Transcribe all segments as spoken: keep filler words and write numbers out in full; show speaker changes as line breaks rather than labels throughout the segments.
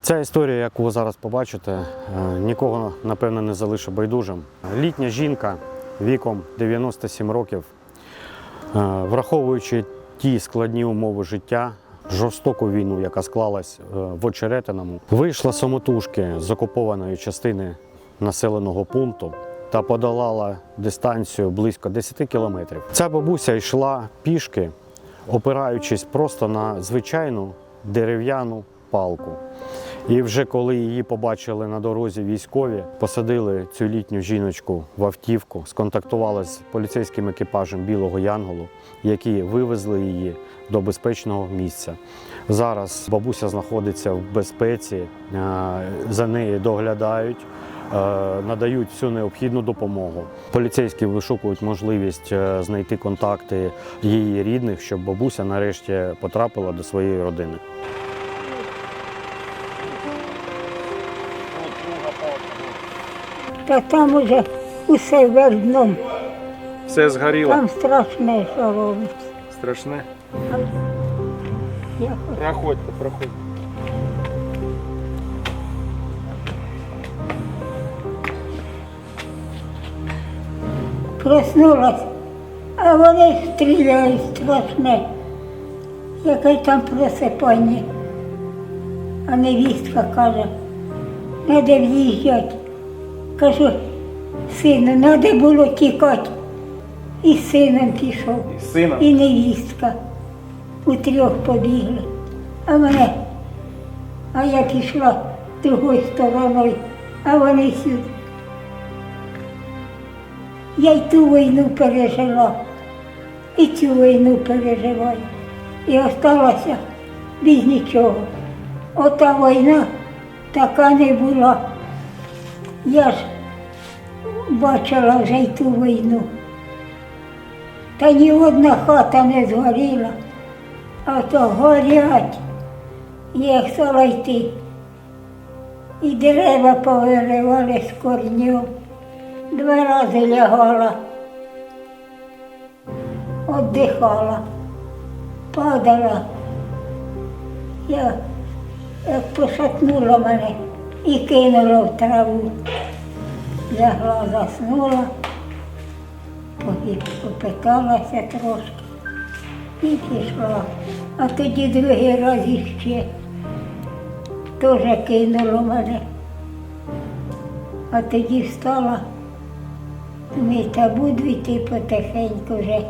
Ця історія, яку ви зараз побачите, нікого, напевно, не залишить байдужим. Літня жінка віком дев'яносто сім років, враховуючи ті складні умови життя, жорстоку війну, яка склалась в Очеретиному, вийшла самотужки з окупованої частини населеного пункту та подолала дистанцію близько десяти кілометрів. Ця бабуся йшла пішки, опираючись просто на звичайну дерев'яну палку. І вже коли її побачили на дорозі військові, посадили цю літню жіночку в автівку, сконтактували з поліцейським екіпажем Білого Янголу, які вивезли її до безпечного місця. Зараз бабуся знаходиться в безпеці, за нею доглядають, надають всю необхідну допомогу. Поліцейські вишукують можливість знайти контакти її рідних, щоб бабуся нарешті потрапила до своєї родини.
Та там уже усе вердном.
Все згоріло?
Там страшне, що робиться.
Страшне?
Я
Проходьте, проходьте.
проснулась, а вони стріляють страшне. Яке там просипання. А невістка каже, треба в'їжджати. Кажу, сину, треба було тікати. І з сином пішов,
І з сином?
і невістка. У трьох побігли. А мене, а я пішла другою стороною, а вони сюди. Я й ту війну пережила, і цю війну переживаю. І осталася без нічого. Ота війна така не була. Я ж бачила вже й ту війну. Та ні одна хата не згоріла, а то горять. Я хотіла йти. І дерева повиривали з корнів. Два рази лягала, віддихала, падала. Я як пошатнула мене і кинула в траву. Лягла, заснула, попиталася трошки і пішла. А тоді другий раз іще теж кинуло мене. А тоді встала, думаю, та буду йти потихеньку вже.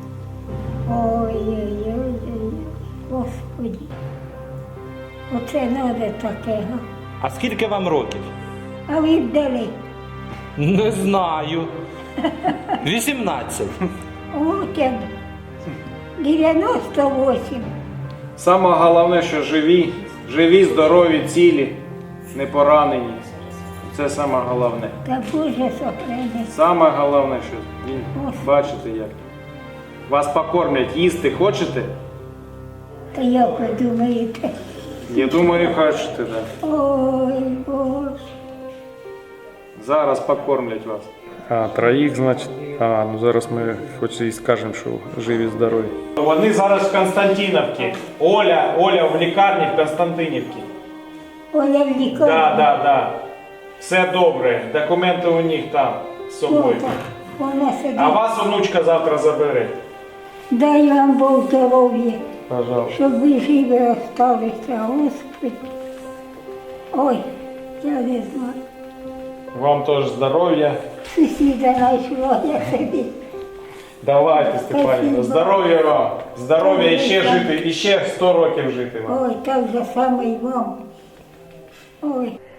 Ой-ой-ой, Господи, оце треба таке, га?
А скільки вам років?
А ви б дали?
Не знаю. вісімнадцять.
От я дев'яносто вісім.
Саме головне, що живі, живі, здорові, цілі, не поранені. Це саме головне.
Та Боже сохрани.
Саме головне, що він,
Господи.
бачите як. Вас покормлять, їсти хочете?
Та як ви думаєте?
Я думаю, хочете, так.
Ой, Боже.
Зараз покормлять вас. А, троїх, значить. А, ну зараз ми хоч і скажемо, що живі, здорові. Вони зараз в Константинівці. Оля, Оля в лікарні в Константинівці.
Оля в лікарні.
Так, так, так. Все добре. Документи у них там з собою.
Отак, вона сидить.
А вас онучка завтра забере.
Дай вам Бог здоров'я,
Пожалуйста.
щоб ви живі осталися, Господи. Ой, я не знаю.
Вам теж здоров'я.
Сусіда знайшла, я собі.
Давайте, Степанівна.
Спасибо.
Здоров'я вам. Здоров'я і ще жити, і ще сто років жити вам.
Ой, так же саме й вам. Ой.